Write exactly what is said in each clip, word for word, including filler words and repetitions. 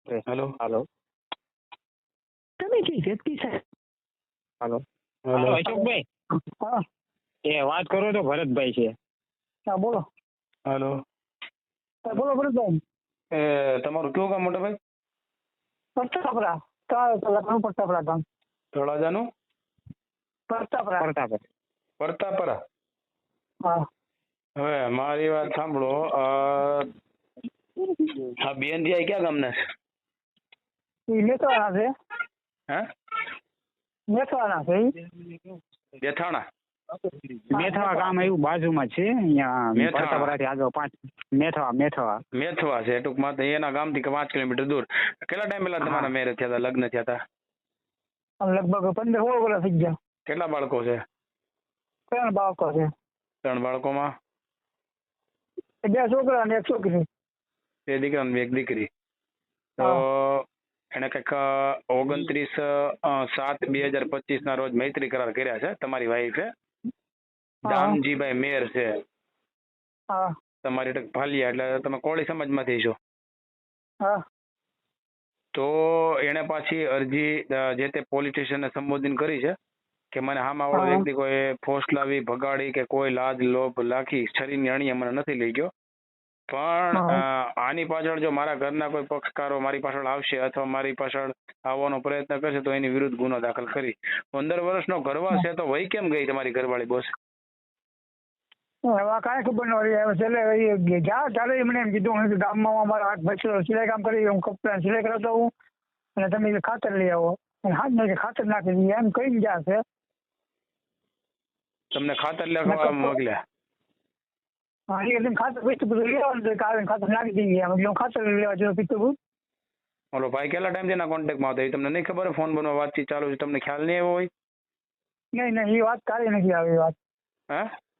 Hello. હાલો. તમે કઈ વ્યક્તિ છે? હાલો. હેલો. અશોકભાઈ, હા એ વાત કરો તો ભરતભાઈ છે. હા બોલો. હેલો. હા, બોલો ભરતભાઈ. એ તમારું કયું ગામ મોટા ભાઈ? પ્રતાપરા ચાર કલાકનું પ્રતાપરા ગામ. તળાજાનું પ્રતાપરા. પ્રતાપ. પરતાપરા. હા હવે મારી વાત સાંભળો. અ, આ બેન ત્યાં ક્યાં ગામના છે? એ મેથવાના છે. હે? મેથવાના છે ઈ. બેથાણા. મેથવા ગામ એવું બાજુમાં છે અહીંયા મેથાણા. પ્રતાપરાથી આગળ પાંચ મેથવા મેથવા મેથવા છે ટૂંકમાં. તો એના ગામથી કે પાંચ કિલોમીટર દૂર. કેટલા ટાઈમ પહેલા તમારા હા. મેરેજ થયા હતા, લગ્ન થયા હતા? આમ લગભગ પંદર સોળ વર્ષ થઈ ગયા. કેટલા બાળકો છે? ત્રણ બાળકો છે. ત્રણ બાળકોમાં બે છોકરા અને એક છોકરી. બે દીકરા અને એક દીકરી. તો એને કંઈક ઓગણત્રીસ સાત બે હજાર પચીસ ના રોજ મૈત્રી કરાર કર્યા છે તમારી વાઈફે. દામજીભાઈ મેર છે હા તમારી ટક ભાલિયા, એટલે તમે કોળી સમાજમાંથી છો. હા તો એને પાછી અરજી અ, જે તે પોલીસ સ્ટેશને સંબોધન કરી છે કે મને હામા વાળો હા. વ્યક્તિ કોઈ ફોર્સ લાવી ભગાડી કે કોઈ લાજ લોભ લાખી શરીરની અણીએ મને નથી લઈ ગયો. પણ હા. અ, આની પાછળ જો મારા ઘરના કોઈ પક્ષકારો મારી પાછળ આવશે અથવા મારી પાછળ આવવાનો પ્રયત્ન કરશે તો એની વિરુદ્ધ ગુનો દાખલ કરી. પંદર વર્ષનો ગરવા છે તો વહી કેમ ગઈ તમારી ઘરવાળી બોસ? હવે કાંઈ ખબર ન રહી. હવે છેલ્લે એ ગયા ત્યારે મને એમ કીધું હું ગામમાં અમારા હાથ ભાઈ સિલાઈ કામ કરી હું કપડા સિલાઈ કરાવતો હું અને તમે ખાતર લઈ આવો. અને હાથ મેં ખાતર નાખી દઈએ એમ કઈ ગયા છે. તમને ખાતર લેવા મોકલ્યા? હા એ તમે ખાતર પીતું બધું લેવાનું છે કારણ ખાતર નાખી દઈએ એમ એટલે હું ખાતર લેવા જતો પીતું બધું. ઓલો ભાઈ કેટલા ટાઈમ એના કોન્ટેક્ટમાં આવતા? એ તમને નહીં ખબર? ફોન બનવા વાતચીત ચાલુ છે, તમને ખ્યાલ નહીં આવ્યો હોય? નહીં નહીં એ વાત કાઢી નથી આવી એ વાત. હે?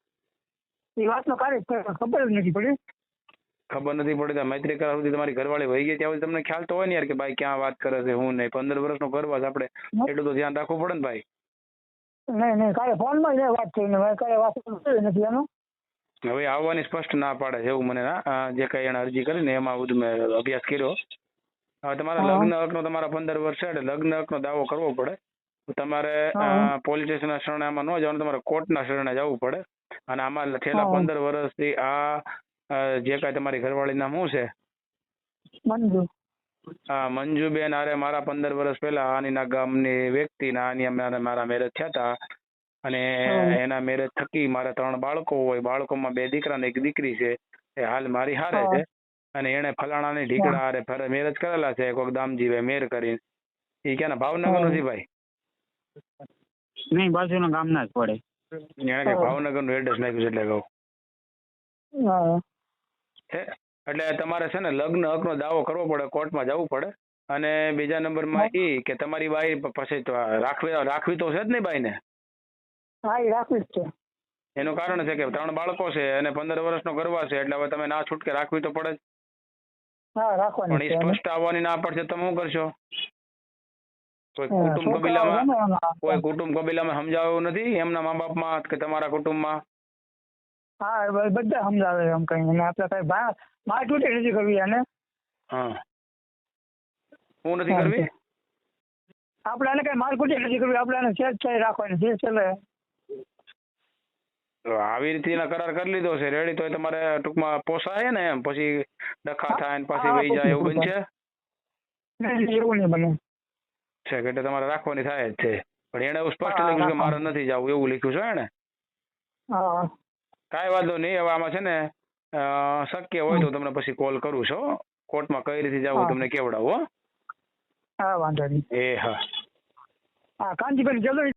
એ વાતનો કાઢી ખબર જ નથી પડી. ખબર નથી પડતી. મૈત્રી કરાર સુધી તમારી ઘરવાળી વહી ગઈ ત્યાં સુધી તમને ખ્યાલ તો હોય ને યાર કે ભાઈ ક્યાં વાત કરે છે હું નહીં. પંદર વર્ષનો ગરબા છે, આપણે એટલું તો ધ્યાન રાખવું પડે ને ભાઈ. નહીં નહીં કાલે ફોનમાં જ વાત કરીને મેં કાલે વાત કરી નથી એનું. હવે આવવાની સ્પષ્ટ ના પાડે છે એવું મને ના અ, જે કઈ એને અરજી કરીને એમાં બધું મેં અભ્યાસ કર્યો. હવે તમારા હા. લગ્ન હકનો તમારા પંદર વર્ષ છે એટલે લગ્ન હકનો દાવો કરવો પડે તો તમારે હા. પોલીસ સ્ટેશનના શરણે આમાં ન જવાનું, તમારે કોર્ટના શરણે જવું પડે. અને આમાં છેલ્લા હા. પંદર વર્ષથી આ અ, જે કાંઈ તમારી ઘરવાળી નામ શું છે? મંજુ. હા, મંજુબેન અરે મારા પંદર વર્ષ પહેલા આનીના ગામની વ્યક્તિના આની અમારે મારા મેરેજ થયા હતા અને હમ. એના મેરેજ થકી મારા ત્રણ બાળકો હોય. બાળકોમાં બે દીકરા ને એક દીકરી છે. એ હાલ મારી હારે હા. છે અને એને ફલાણાની ઢીકડા હારે મેરેજ કરેલા છે કોઈક દામજીભાઈ મેર કરીને. એ ક્યાંના ભાવનગર નથી ભાઈ? નહીં બાજુના ગામના જ પડે. એને કઈ ભાવનગરનું એડ્રેસ નાખ્યું છે એટલે કહું. હા. છે એટલે તમારે છે ને લગ્ન હકનો દાવો કરવો પડે, કોર્ટમાં જવું પડે. અને બીજા નંબરમાં એ કે તમારી બાઈ પછી તો રાખવી રાખવી તો છે જ નહીં બાઈને. હા એ રાખવી જ છે. એનું કારણ છે કે ત્રણ બાળકો છે અને પંદર વર્ષનો ગરવા છે એટલે હવે તમે ના છૂટકે રાખવી તો પડે જ. હા પણ રાખવાની એ છે એને. સ્પષ્ટ આવવાની ના પડશે તમે શું કરશો? કોઈ હા, કુટુંબ છોકરાઓ કબીલામાં છે ને એમાં. કોઈ કુટુંબ કબીલામાં સમજાવ્યું નથી એમના મા બાપમાં કે તમારા કુટુંબમાં? હા એ બ- બધા સમજાવે એમ કઈ અને આપણે કઈ ભા માર તૂટી નથી કરવી એને. હા, હું નથી કરવી. આપણે એને કઈ મારકુટી નથી કરવી. આપણે એને સેજ થઈ રાખવાની છે છેલ્લે. તો આવી રીતે એના કરાર કરી લીધો છે રેડી, તો તમારે ટૂંકમાં પોસાય ને એમ પછી ડખા થાય ને પાછી હા, વહી જાય એવું બનશે નહીં એવું નહીં બને. છે કે એટલે તમારે રાખવાની થાય જ છે. પણ એને એવું સ્પષ્ટ હા, લખ્યું કે મારે રાખવાની. નથી જવું એવું લખ્યું છે એને. હા કાંઈ વાંધો નહીં. હવે આમાં છે ને અ, શક્ય હોય તો તમને પછી કોલ કરું છું હો. કોર્ટમાં કઈ રીતે જવું હા. તમને કેવડાવું હો. હા વાંધો નહીં. એ હા. હા કાંતિભાઈ જલ્દી